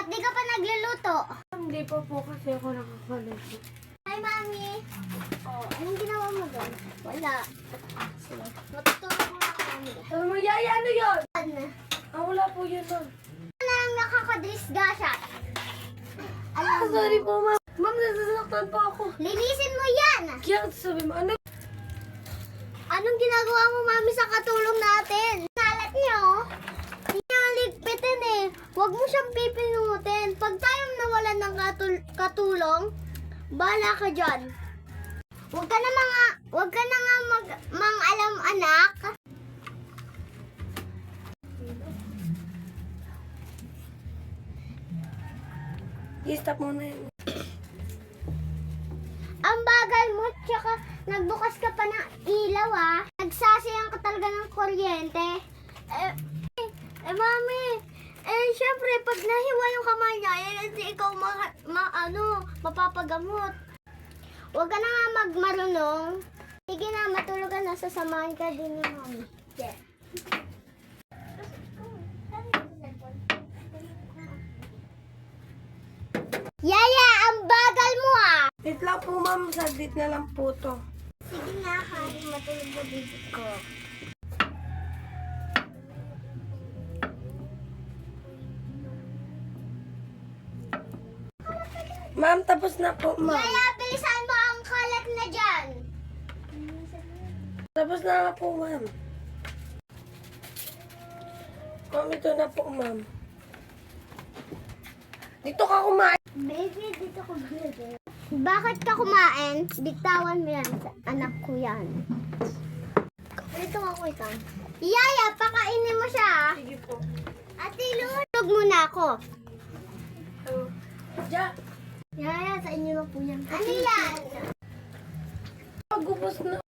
ba't di ka pa nagluluto? Hindi pa po kasi ako nakakaluto. Hi, Mami. Oh, anong ginawa mo doon? Wala. Sige. Matutulog mo na kami. Sabi mo, Yaya, ano yun? Ano? Wala po yun nun. Ang nakakadisgasya. Alam mo. Sorry po, ma'am. Ma'am, nasasaktan po ako. Linisin mo yan. Kaya sabi mo, ano? Anong ginagawa mo, Mami, sa katulong natin? Salat niyo. Hindi niya ligpitin eh. Huwag mo siyang pipinutin. Pag tayo nawalan ng katulong, bahala ka dyan. Huwag ka na nga mang-alam, anak. I-stop mo na yun. Ang bagal mo, tsaka nagbukas ka pa ng ilaw ah. Nagsasayang ka talaga ng kuryente. Mami, syempre, pag nahiwa yung kamay niya, hindi ikaw mapapagamot. Huwag ka na nga magmarunong. Sige na, matulog ka na, sasamahan ka din ni Mami. Yeah. Yaya, ang bagal mo ah! Wait lang po, ma'am. Saglit na lang po to. Sige na, kahit matulog na baby ko. Ma'am, tapos na po, ma'am. Yaya, bilisan mo ang kalat na dyan. Tapos na nga po, ma'am. Ma'am, ito na po, ma'am. Dito ka kumain. Baby, dito ko baby. Bakit ka kumain? Bitawan mo yan. Anak ko yan. Dito ako ikaw. Yaya, pakainin mo siya. Sige po. Ate, lulog muna ako. Diya. Yaya, sa inyo na po yan. Ano yan? Pagubos na